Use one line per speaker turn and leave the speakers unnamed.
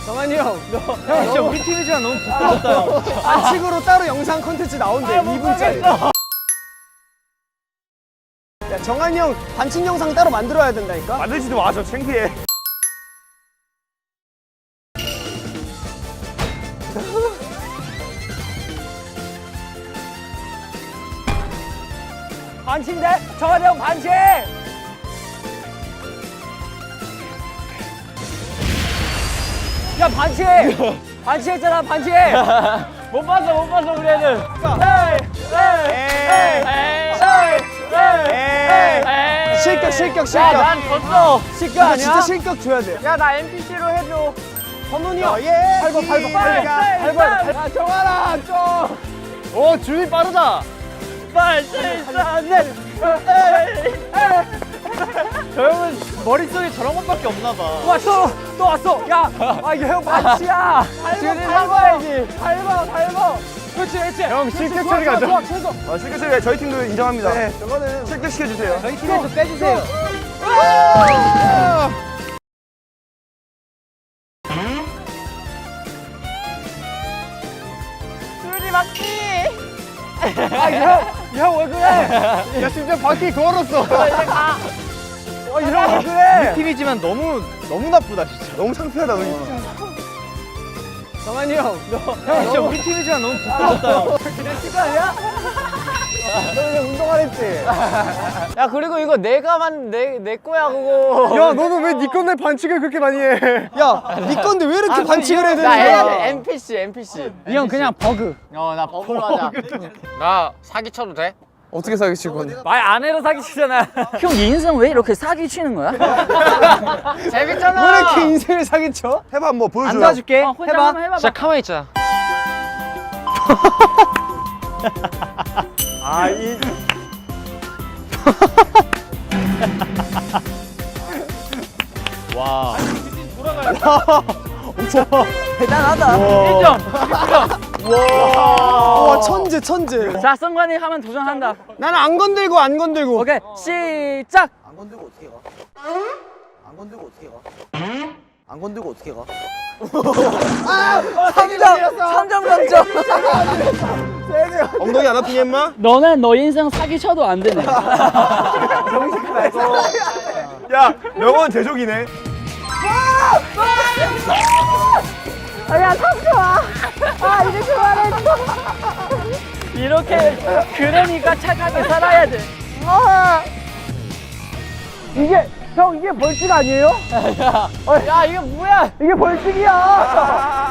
정한이 형,
형 진짜 우리 팀이지만 너무 부끄럽다 형.
반칙으로 따로 영상 콘텐츠 나온대. 2분짜리. 야, 정한이 형 반칙 영상 따로 만들어야 된다니까?
만들지도 마, 저 창피해.
반칙인데? 정한이 형 반칙! 야, 반칙! 반칙했잖아, 반칙! 못 봤어, 우리 애들. 실격. 야, 난 졌어. 실격 아니야? 진짜 실격 줘야 돼. 야, 나 NPC로 해줘. 선훈이 형. 밟아. 야, 정한아, 좀.
오 준비 빠르다. 저 형은 머릿속에 저런 것밖에 없나 봐.
또 왔어. 야, 이거 형 반칙이야. 밟아야지. 밟아. 그렇지.
형, 실격 처리 가죠.
좋아, 최소.
실격 처리 저희 팀도 인정합니다.
네, 저거는
실격 시켜주세요.
저희 팀에서 빼주세요.
형 왜 그래?
야, 심지어 바퀴 걸었어.
형 왜 그래?
팀이지만 너무 나쁘다 진짜.
너무 창피하다, 우리.
정한이 형,
형 진짜 우리 팀이지만 너무 부끄럽다 형.
그냥 친구 아니야? 너 그냥 운동하라 했지? 야, 그리고 이거 내 거야, 그거.
야, 너는 왜 니 건데 반칙을 그렇게 많이 해?
야, 네 건데 왜 이렇게 반칙을 해야 되는
나 해야
거야?
돼. NPC.
이 형 그냥 버그.
나 버블로 하자. 나 사기 쳐도 돼?
어떻게 사기칠 건데?
말 안 해도 사기치잖아.
형, 네 인생 왜 이렇게 사기 치는 거야?
재밌잖아.
왜 이렇게 인생을 사기쳐?
해봐, 뭐 보여줘요.
안 도와줄게.
혼자
해봐.
한번 해봐봐.
진짜 가만히 있자.
와.
대단하다.
1점.
와, 천재.
자, 성관이 하면 도전한다.
나는 안 건들고.
오케이, 시작.
안 건들고 어떻게 가? 안 건들고 어떻게 가? 안 건들고 어떻게 가?
3점 만점.
엉덩이 안 아프니, 임마?
너는 너 인생 사기 쳐도 안 되네.
야, 명언 제조기네.
이렇게 그러니까 착하게 살아야 돼.
이게 벌칙 아니에요?
야, 이거 뭐야?
이게 벌칙이야.